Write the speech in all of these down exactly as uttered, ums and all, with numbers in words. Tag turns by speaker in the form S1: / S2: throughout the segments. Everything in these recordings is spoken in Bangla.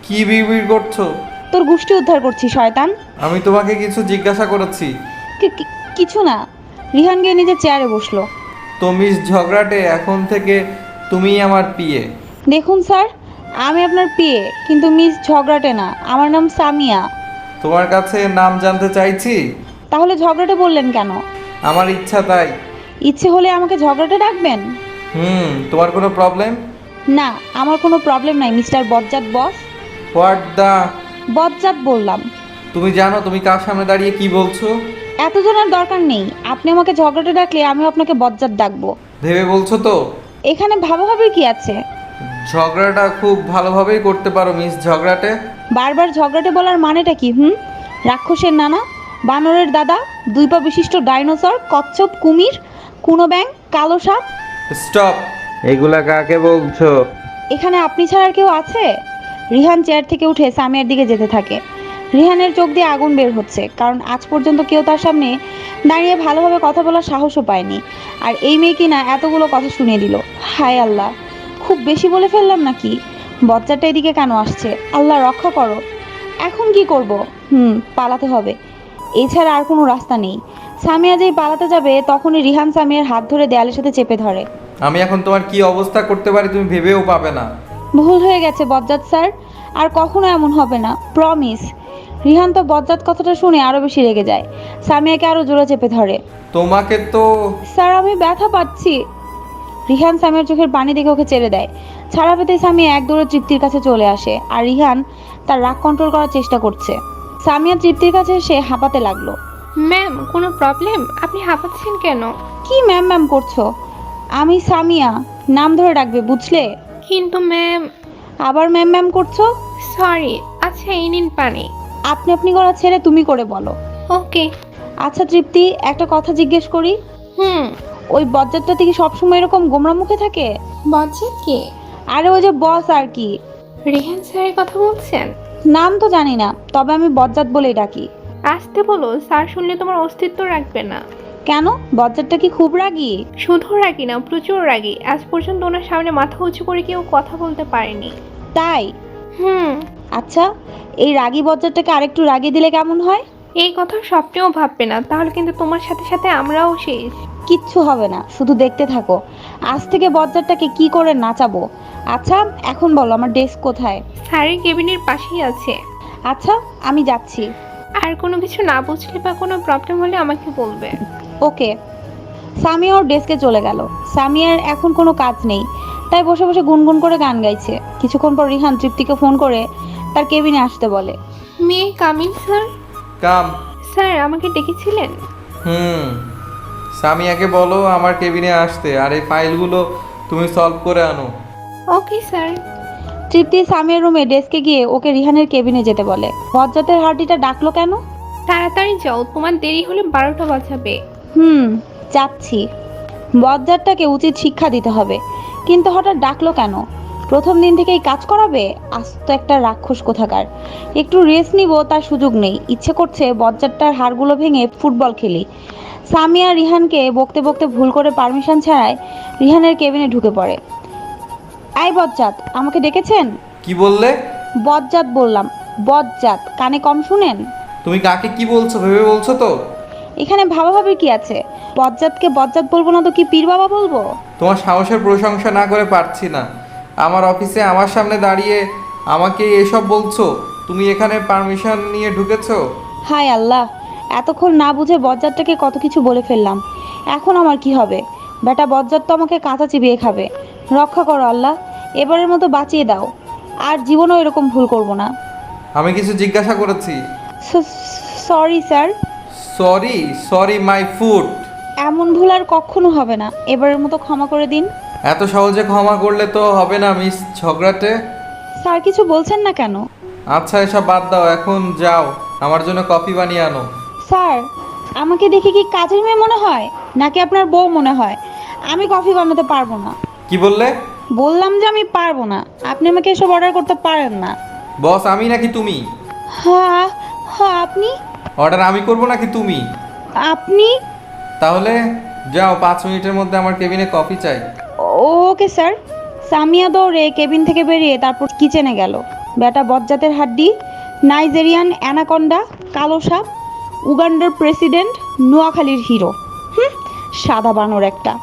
S1: কি বিড়বিড় করছো?
S2: তোর গোষ্ঠী উদ্ধার করছি শয়তান।
S1: আমি তোমাকে কিছু জিজ্ঞাসা করেছি।
S2: কি- কি- কিছু না। রিহান গিয়ে নিজের চেয়ারে বসলো।
S1: তো মিস ঝগড়াটে, এখন থেকে তুমিই আমার পিয়ে।
S2: দেখুন স্যার, আমি আপনার পিএ, কিন্তু মিস ঝগড়াটে না। আমার নাম সামিয়া।
S1: তোমার কাছে নাম জানতে চাইছি?
S2: তাহলে ঝগড়াটে বললেন কেন?
S1: আমার ইচ্ছা তাই।
S2: ইচ্ছে হলে আমাকে ঝগড়াটে ডাকবেন।
S1: হুম, তোমার কোনো প্রবলেম?
S2: না, আমার কোনো প্রবলেম নাই মিস্টার বজ্জাত বস।
S1: হোয়াট দা?
S2: বজ্জাত বললাম।
S1: তুমি জানো তুমি কার সামনে দাঁড়িয়ে কি বলছো?
S2: এত জানার দরকার নেই। আপনি আমাকে ঝগড়াটে ডাকলে আমিও আপনাকে বজ্জাত ডাকবো।
S1: ভেবে বলছো তো?
S2: এখানে ভাবাভাবির কি আছে?
S1: ঝগড়াটা খুব ভালোভাবেই করতে পারো মিস ঝগড়াটে।
S2: বারবার ঝগড়াটে বলার মানেটা কি? হুম, রাক্ষসের নানা, বানরের দাদা, দুই পা বিশিষ্ট ডাইনোসর, কচ্ছপ, কুমির, কুনো ব্যাং, কালো সাপ।
S1: স্টপ! এগুলা কাকে বলছো?
S2: এখানে আপনি ছাড়া আর কেউ আছে? রিহান চেয়ার থেকে উঠে সামিয়ার দিকে যেতে থাকে। রিহানের চোখ দিয়ে আগুন বের হচ্ছে, কারণ আজ পর্যন্ত কেউ তার সামনে দাঁড়িয়ে ভালোভাবে কথা বলার সাহসও পায়নি। আর এই মেয়ে কিনা এতগুলো কথা শুনিয়ে দিল। হায় আল্লাহ, খুব বেশি বলে ফেললাম নাকি? বচ্চাটা এদিকে কেন আসছে? আল্লাহ রক্ষা করো। এখন কি করব? হুম, পালাতে হবে। এছাড়া আর কোনো রাস্তা নেই। সামিয়া যেই পালাতে যাবে তখনই রিহান সামিয়ার হাত ধরে দেয়ালের সাথে চেপে ধরে।
S1: আমি এখন তোমার কি অবস্থা করতে পারি তুমি ভেবেও পাবে না।
S2: ভুল হয়ে গেছে বজ্জাত স্যার, আর কখনো এমন হবে না, প্রমিস। রিহান তো বজ্জাত কথাটা শুনে আরো বেশি রেগে যায়। সামিয়াকে আরো জোরে চেপে ধরে।
S1: তোমাকে তো।
S2: স্যার, আমি ব্যথা পাচ্ছি। রিহান সামিয়ার চোখের পানি দেখে ওকে ছেড়ে দেয়। ছাড়া পেতেই সামিয়া এক দৌড়ে তৃপ্তির কাছে চলে আসে, আর রিহান তার রাগ কন্ট্রোল করার চেষ্টা করছে। সামিয়া তৃপ্তির কাছে এসে হাঁপাতে লাগলো।
S3: ম্যাম, কোনো প্রবলেম? আপনি হাঁপাচ্ছেন কেন?
S2: কি ম্যাম ম্যাম করছো? আমি সামিয়া, নাম ধরে ডাকবে বুঝলে?
S3: কিন্তু ম্যাম।
S2: আবার ম্যাম ম্যাম করছো?
S3: সরি। আচ্ছা, এই নিন পানি।
S2: আপনি আপনি করা ছেড়ে তুমি করে বলো।
S3: ওকে।
S2: আচ্ছা তৃপ্তি, একটা কথা জিজ্ঞেস করি।
S3: হুম।
S2: ওই বজ্জাতটা থেকে সবসময় এরকম গোমরা মুখে থাকে?
S3: বজ্জাত কে?
S2: আরে ওই যে বস আর কি।
S3: রেহান স্যারের কথা বলছেন?
S2: নাম তো জানি না, তবে আমি বজ্জাত বলেই ডাকি।
S3: আসতে বলো, স্যার শুনলে তোমার অস্তিত্ব রাখবে না।
S2: কেন, বজ্জাতটা কি খুব রাগী?
S3: শুধু রাগি না, প্রচুর রাগি। আজ পর্যন্ত ওনার সামনে মাথা উঁচু করে কেউ কথা বলতে পারেনি।
S2: তাই?
S3: হুম।
S2: আচ্ছা, এই রাগী বজ্জাতটাকে আরেকটু রাগিয়ে দিলে কেমন হয়?
S3: এই কথা স্বপ্নেও ভাববে না, তাহলে কিন্তু তোমার সাথে সাথে আমরাও শেষ।
S2: কিচ্ছু হবে না, শুধু দেখতে থাকো। আজ থেকে বজ্জাতটাকে কি করে নাচাবো। আচ্ছা এখন বলো, আমার ডেস্ক কোথায়?
S3: স্যারের কেবিনের পাশেই আছে।
S2: আচ্ছা, আমি যাচ্ছি।
S3: আর কোনো কিছু না বুঝলে বা কোনো প্রবলেম হলে আমাকে বলবে।
S2: ওকে। সামিয়া ওর ডেস্কে চলে গেল। সামিয়ার এখন কোনো কাজ নেই, তাই বসে বসে গুনগুন করে গান গাইছে। কিছুক্ষণ পর রিহান তৃপ্তিকে ফোন করে তার কেবিনে আসতে বলে।
S3: মেয়ে কামিন স্যার।
S1: কাম।
S3: স্যার আমাকে ডেকেছিলেন?
S1: হুম, সামিয়াকে বলো আমার কেবিনে আসতে, আর এই ফাইলগুলো তুমি সলভ করে আনো।
S3: Okay sir.
S2: তৃপ্তি সামিয়ার রুমে ডেস্কে গিয়ে ওকে রিহানের কেবিনে যেতে বলে। বজ্জাতের হার্টিটা ডাকলো কেন?
S3: তাড়াতাড়ি যাও, তোমার দেরি হলে বারোটা বাজাবে।
S2: হুম, যাচ্ছি। বজ্জাতটাকে উচিত শিক্ষা দিতে হবে। কিন্তু হঠাৎ ডাকলো কেন? প্রথম দিন থেকেই কাজ করাবে? আস্ত একটা রাক্ষস কোথাকার। একটু রেস্ট নিব তার সুযোগ নেই। ইচ্ছে করছে বজ্জাতটার হাড়গুলো ভেঙে ফুটবল খেলি। সামিয়া রিহানকে বকতে বকতে ভুল করে পারমিশন ছাড়াই রিহানের কেবিনে ঢুকে পড়ে। আই বজ্জাত, আমাকে ডেকেছেন?
S1: কি বললে?
S2: বজ্জাত বললাম, বজ্জাত, কানে কম শুনেন?
S1: তুমি কাকে কি বলছো ভেবে বলছো তো?
S2: এখানে ভাবাভাবির কি আছে? বজ্জাতকে বজ্জাত বলবো না তো কি পীর বাবা বলবো?
S1: তোমার সাহসের প্রশংসা না করে পারছি না। আমার অফিসে আমার সামনে দাঁড়িয়ে আমাকে এসব বলছো? তুমি এখানে পারমিশন নিয়ে ঢুকেছো?
S2: হায় আল্লাহ, এতক্ষণ না বুঝে বজ্জাতটাকে কত কিছু বলে ফেললাম। এখন আমার কি হবে? বেটা বজ্জাত তো আমাকে কাঁচা চিবিয়ে খাবে। রক্ষা করো আল্লাহ, এবারের মতো বাঁচিয়ে দাও। আর জীবনেও এরকম ভুল করব না।
S1: আমি কিছু জিজ্ঞাসা করেছি।
S2: Sorry sir.
S1: Sorry? Sorry my food.
S2: এমন ভুল আর কখনো হবে না, এবারের মতো ক্ষমা করে দিন।
S1: এত সহজে ক্ষমা করলে তো হবে না মিস ঝগড়াটে।
S2: স্যার কিছু বলছেন না কেন?
S1: আচ্ছা এসব বাদ দাও, এখন যাও আমার জন্য কফি বানিয়ে আনো।
S2: স্যার, আমাকে দেখে কি কাজের মেয়ে মনে হয় নাকি আপনার বউ মনে হয়? আমি কফি বানাতে পারবো না।
S1: কি বললে?
S2: বললাম যে আমি পারবো না, আপনি আমাকে এসব অর্ডার করতে পারেন না।
S1: বস আমি নাকি তুমি?
S2: হ্যাঁ হ্যাঁ, আপনি।
S1: অর্ডার আমি করব নাকি তুমি?
S2: আপনি।
S1: তাহলে যাও, পাঁচ মিনিটের মধ্যে আমার কেবিনে কফি চাই।
S2: Okay sir. সামিয়া দৌড়ে কেবিন থেকে বেরিয়ে তারপর কিচেনে গেল। বেটা বজ্জাতের হাড্ডি, নাইজেরিয়ান অ্যানাকন্ডা, কালো সাপ, উগান্ডার প্রেসিডেন্ট, নোয়াখালীর হিরো। হুম, সাদা বানর একটা,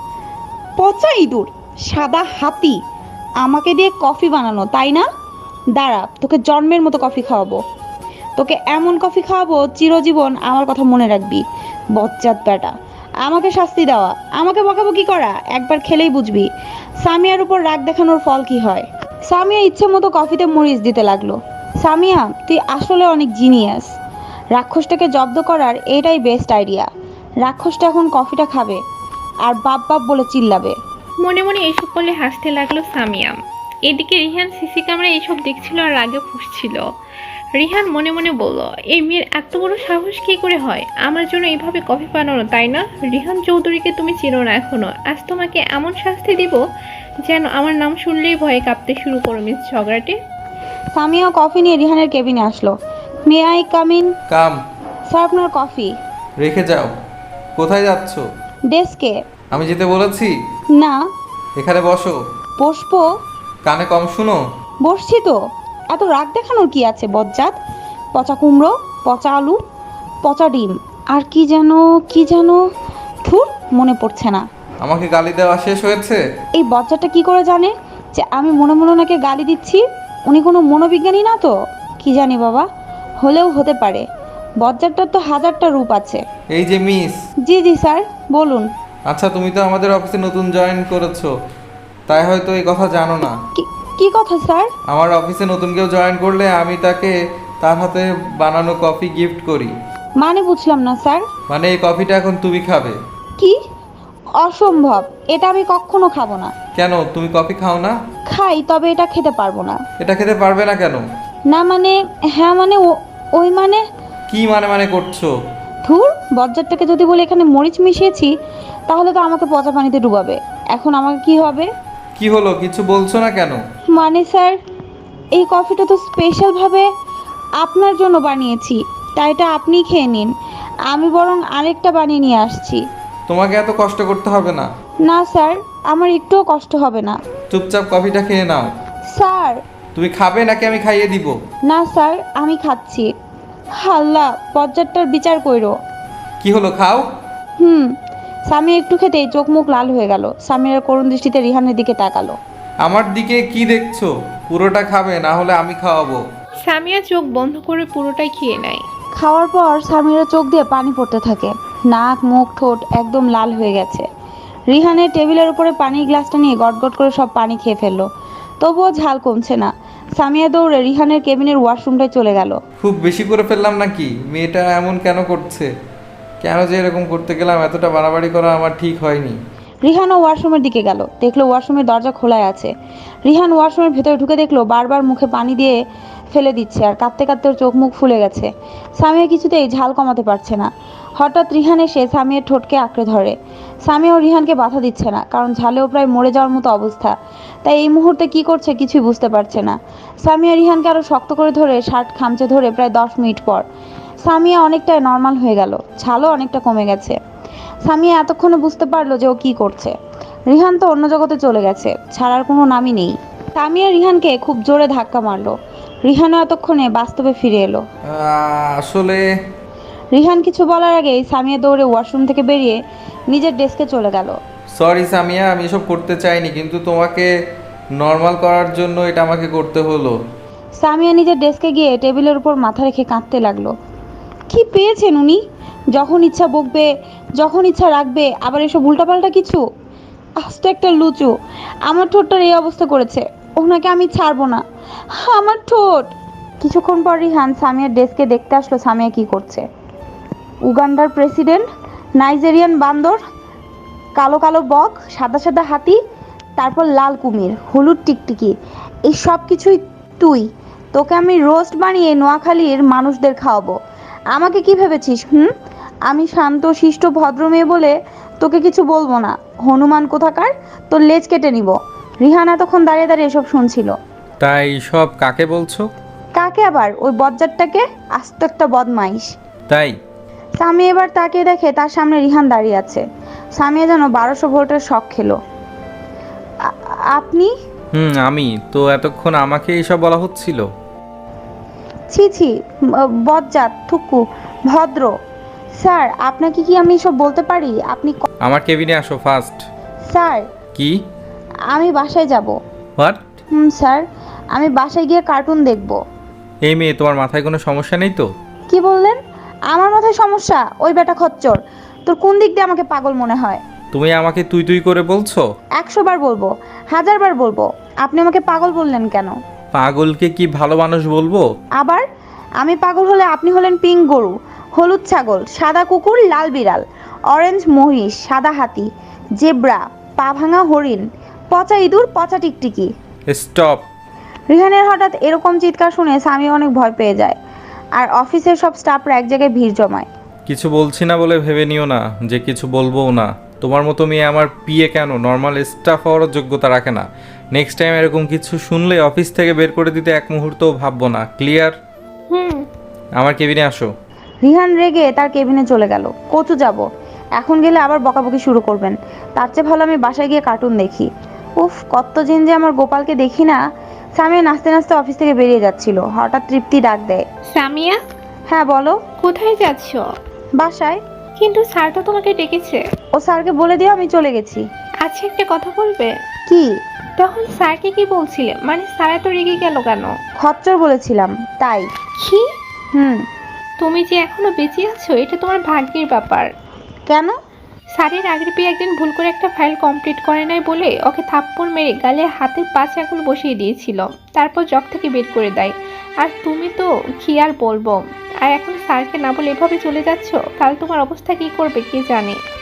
S2: পচা ইঁদুর, সাদা হাতি। আমাকে দিয়ে কফি বানানো, তাই না? দাঁড়া, তোকে জন্মের মতো কফি খাওয়াবো। তোকে এমন কফি খাওয়াবো চিরজীবন আমার কথা মনে রাখবি। বজ্জাত বেটা, আমাকে শাস্তি দেওয়া, আমাকে বকাবকি করা, একবার খেলেই বুঝবি সামিয়ার উপর রাগ দেখানোর ফল কি হয়। সামিয়া ইচ্ছে মতো কফিতে মরিচ দিতে লাগলো। সামিয়া, তুই আসলে অনেক জিনিয়াস। রাক্ষসটাকে জব্দ করার এটাই বেস্ট আইডিয়া। রাক্ষসটা এখন কফিটা খাবে আর বাপ বাপ বলে চিল্লাবে।
S3: মনে মনে এসব বলে হাসতে লাগলো সামিয়া। এদিকে রিহান সিসি ক্যামেরা এসব দেখছিল আর রাগে ফুঁসছিল। রিহান মনে মনে বলল, এই মেয়ের এত বড় সাহস কী করে হয় আমার জন্য এইভাবে কফি বানানো, তাই না? রিহান চৌধুরীকে তুমি চিনো না এখনো, আজ তোমাকে এমন শাস্তি দিব যেন আমার নাম শুনলেই ভয়ে কাঁপতে শুরু করো মিস ঝগড়াটে।
S2: সামিয়া কফি নিয়ে রিহানের কেবিনে আসলো। May I come in?
S1: Come.
S2: Sir, আপনার কফি।
S1: রেখে যাও। কোথায় যাচ্ছ?
S2: ডেস্কে।
S1: আমি যেতে বলেছি?
S2: না।
S1: এখানে বসো।
S2: বসবো?
S1: কানে কম শুনো।
S2: বসছি তো। এত রাগ দেখানোর কি আছে বজ্জাত? পচা কুমড়ো, পচা আলু, পচা ডিম, আর কি যেন কি যেন ধুর, মনে পড়ছে না।
S1: আমাকে গালি দেওয়া শেষ হয়েছে?
S2: এই বজ্জাতটা কি করে জানে যে আমি মনে মনে ওনাকে গালি দিচ্ছি? উনি কোনো মনোবিজ্ঞানী না তো? কি জানি বাবা, হলেও হতে পারে। বজ্জাতটার তো হাজারটা রূপ আছে।
S1: এই যে মিস।
S2: জি জি স্যার, বলুন।
S1: আচ্ছা, তুমি তো আমাদের অফিসে নতুন জয়েন করেছো, তাই হয়তো এই কথা জানো না।
S2: কি কি কথা স্যার?
S1: আমার অফিসে নতুন কেউ জয়েন করলে আমি তাকে তার হাতে বানানো কফি গিফট করি।
S2: মানে বুঝলাম না স্যার।
S1: মানে এই কফিটা এখন তুমি খাবে।
S2: কি? অসম্ভব, এটা আমি কখনো খাবো না।
S1: কেন, তুমি কফি খাও না?
S2: খাই, তবে এটা খেতে পারবো না।
S1: এটা খেতে পারবে না কেন?
S2: না মানে, হ্যাঁ মানে, ও- ওই মানে।
S1: কি মানে মানে করছো?
S2: ধুর, বজ্জাতটাকে যদি বলে এখানে মরিচ মিশিয়েছি তাহলে তো আমাকে পচা পানিতে ডুবাবে। এখন আমাকে কি হবে?
S1: কি হলো, কিছু বলছো না কেন?
S2: মানে স্যার, এই কফিটা তো স্পেশালভাবে আপনার জন্য বানিয়েছি, তাই এটা আপনিই খেয়ে নিন। আমি বরং আরেকটা বানিয়ে নিয়ে আসছি।
S1: তোমাকে এত কষ্ট করতে হবে না।
S2: না স্যার, আমার একটুও কষ্ট হবে না।
S1: চুপচাপ কফিটা খেয়ে নাও।
S2: স্যার।
S1: তুমি খাবে নাকি আমি খাইয়ে দিব?
S2: না স্যার, আমি খাচ্ছি। হাল্লা, বজ্জাতটার বিচার কইরো।
S1: কি হলো, খাও।
S2: হুম। স্বামী একটু খেতেই চোখ মুখ লাল হয়ে গেল। স্বামীর করুণ দৃষ্টিতে রিহানের দিকে তাকালো।
S1: আমার দিকে কি দেখছো? পুরোটা খাবে, না হলে আমি খাওয়াবো।
S3: সামিয়া চোখ বন্ধ করে পুরোটাই খেয়ে নেয়।
S2: খাওয়ার পর স্বামীর চোখ দিয়ে পানি পড়তে থাকে। নাক মুখ ঠোঁট একদম লাল হয়ে গেছে। রিহানের টেবিলের উপরে পানির গ্লাসটা নিয়ে গটগট করে সব পানি খেয়ে ফেললো। তবুও ঝাল কমছে না। সামিয়া দৌড়ে রিহানের কেবিনের ওয়াশরুমটায় চলে গেল।
S1: খুব বেশি করে ফেললাম নাকি? মেয়েটা এমন কেন করছে? কেন যে এরকম করতে গেলাম? এতটা বাড়াবাড়ি করা আমার ঠিক হয়নি।
S2: রিহানও ওয়াশরুমের দিকে গেল। দেখলো ওয়াশরুমের দরজা খোলাই আছে। রিহান ওয়াশরুমের ভেতরে ঢুকে দেখলো বারবার মুখে পানি দিয়ে ফেলে দিচ্ছে আর কাঁদতে কাঁদতে ওর চোখ মুখ ফুলে গেছে। সামিয়া কিছুতেই ঝাল কমাতে পারছে না। হঠাৎ রিহান এসে সামিয়ার ঠোঁটকে আঁকড়ে ধরে। সামিয়া ও রিহানকে বাধা দিচ্ছে না, কারণ ঝালেও প্রায় মরে যাওয়ার মতো অবস্থা। তাই এই মুহূর্তে কি করছে কিছুই বুঝতে পারছে না। সামিয়া রিহানকে আরো শক্ত করে ধরে শার্ট খামচে ধরে প্রায় দশ মিনিট পর সামিয়া অনেকটাই নর্মাল হয়ে গেল। ঝালও অনেকটা কমে গেছে। সামিয়া এতক্ষণে বুঝতে পারলো যে ও কি করছে। রিহান তো অন্য জগতে চলে গেছে, ছাড়ার কোনো নামই নেই। সামিয়া রিহানকে খুব জোরে ধাক্কা মারলো। রিহানও এতক্ষণে বাস্তবে ফিরে এলো।
S1: আহ, আসলে
S2: রিহান কিছু বলার আগেই সামিয়া দৌড়ে ওয়াশরুম থেকে বেরিয়ে নিজের ডেস্কে চলে গেল।
S1: সরি সামিয়া, আমি এসব করতে চাইনি, কিন্তু তোমাকে নর্মাল করার জন্য এটা আমাকে করতে হলো।
S2: সামিয়া নিজের ডেস্কে গিয়ে টেবিলের উপর মাথা রেখে কাঁদতে লাগলো। কি পেয়েছেন উনি? যখন ইচ্ছা বকবে, যখন ইচ্ছা রাখবে, আবার এসব উল্টাপাল্টা কিছু। আস্ত একটা লুচু আমার ঠোঁটটার এই অবস্থা করেছে। ওনাকে আমি ছাড়বো না, আমার ঠোঁট। কিছুক্ষণ পর রিহান সামিয়ার ডেস্কে দেখতে আসলো সামিয়া কি করছে। উগান্ডার প্রেসিডেন্ট, নাইজেরিয়ান বান্দর, কালো কালো বক, সাদা সাদা হাতি, তারপর লাল কুমির, হলুদ টিকটিকি, এই সব কিছুই তুই। তোকে আমি রোস্ট বানিয়ে নোয়াখালীর মানুষদের খাওয়াবো। আমাকে কি ভেবেছিস? হুম, আমি শান্ত শিষ্ট ভদ্র মেয়ে বলে তোকে কিছু বলবো না। হনুমান কোথাকার, তোর লেজ কেটে নিব। রিহান এতক্ষণ দাঁড়িয়ে দাঁড়িয়ে এসব শুনছিল।
S1: তাই সব কাকে বলছো?
S2: কাকে আবার? ওই বজ্জাতটাকে, আস্ত একটা বদমাইশ।
S1: তাই?
S2: সামি এবার তাকিয়ে দেখে তার সামনে রিহান দাঁড়িয়ে আছে। সামিয়া যেন বারোশো ভোল্টের শক খেলো। আ- আপনি?
S1: হুম, আমি তো। এতক্ষণ আমাকে এইসব বলা হচ্ছিল?
S2: ছি ছি, ব- বজ্জাত, থুকু, ভদ্র। স্যার, আপনাকে কি আমি এসব বলতে পারি? আপনি ক-
S1: আমার কেবিনে আসো ফার্স্ট।
S2: স্যার,
S1: কি?
S2: আমি বাসায় যাব।
S1: হোয়াট?
S2: হুম স্যার, আমি বাসায় গিয়ে কার্টুন দেখব।
S1: এই মেয়ে, তোমার মাথায় কোনো সমস্যা নেই তো?
S2: কি বললেন? আমার মাথায় সমস্যা? ওই বেটা খচ্চর, তোর কোন দিক দিয়ে আমাকে পাগল মনে হয়?
S1: তুমি আমাকে তুই তুই করে বলছো?
S2: একশো বার বলবো, হাজার বার বলবো, আপনি আমাকে পাগল বললেন কেন?
S1: পাগলকে কি ভালো মানুষ বলবো?
S2: আবার আমি পাগল হলে আপনি হলেন পিঙ্ক গরু, হলুদ ছাগল, সাদা কুকুর, লাল বিড়াল, অরেঞ্জ মহিষ, সাদা হাতি, জেব্রা, পা ভাঙা হরিণ, পচা ইঁদুর, পচা টিকটিকি।
S1: স্টপ।
S2: রিহানের হঠাৎ এরকম চিৎকার শুনে স্বামী অনেক ভয় পেয়ে যায়, আর অফিসের সব স্টাফরা এক জায়গায় ভিড় জমায়।
S1: কিছু বলছি না বলে ভেবে নিও না যে কিছু বলবোও না। তোমার মতো মেয়ে আমার পিএ কেন নর্মাল স্টাফ হওয়ারও যোগ্যতা রাখে না। নেক্সট টাইম এরকম কিছু শুনলে অফিস থেকে বের করে দিতে এক মুহূর্তও ভাববো না। ক্লিয়ার?
S3: হুম।
S1: আমার কেবিনে আসো।
S2: রিহান রেগে তার কেবিনে চলে গেল। কচু যাব, এখন গেলে আবার বকাবকি শুরু করবেন। তার চেয়ে ভালো আমি বাসায় গিয়ে কার্টুন দেখি। উফ, কতদিন যে আমার গোপালকে দেখি না। সামিয়া নাচতে নাচতে অফিস থেকে বেরিয়ে যাচ্ছিল, হঠাৎ তৃপ্তি ডাক দেয়।
S3: সামিয়া,
S2: হ্যাঁ বলো।
S3: কোথায় যাচ্ছ?
S2: বাসায়।
S3: কিন্তু স্যার তো তোমাকে ডেকেছে।
S2: ও স্যারকে বলে দিও আমি চলে গেছি।
S3: আচ্ছা, একটা কথা বলবে?
S2: কি?
S3: তখন স্যারকে কি বলছিলে? মানে স্যার এত রেগে গেল কেন?
S2: খচ্চর বলেছিলাম তাই।
S3: কি?
S2: হুম।
S3: তুমি যে এখনো বেঁচে আছো এটা তোমার ভাগ্যের ব্যাপার।
S2: কেন?
S3: স্যারের আগের পেয়ে একদিন ভুল করে একটা ফাইল কমপ্লিট করে নাই বলে ওকে থাপ্পড় মেরে গালে হাতের পাঁচ আঙুল বসিয়ে দিয়েছিল, তারপর জব থেকে বের করে দেয়। আর তুমি তো কি আর বলবো। আর এখন স্যারকে না বলে এভাবে চলে যাচ্ছ, কাল তোমার অবস্থা কি করবে কে জানে।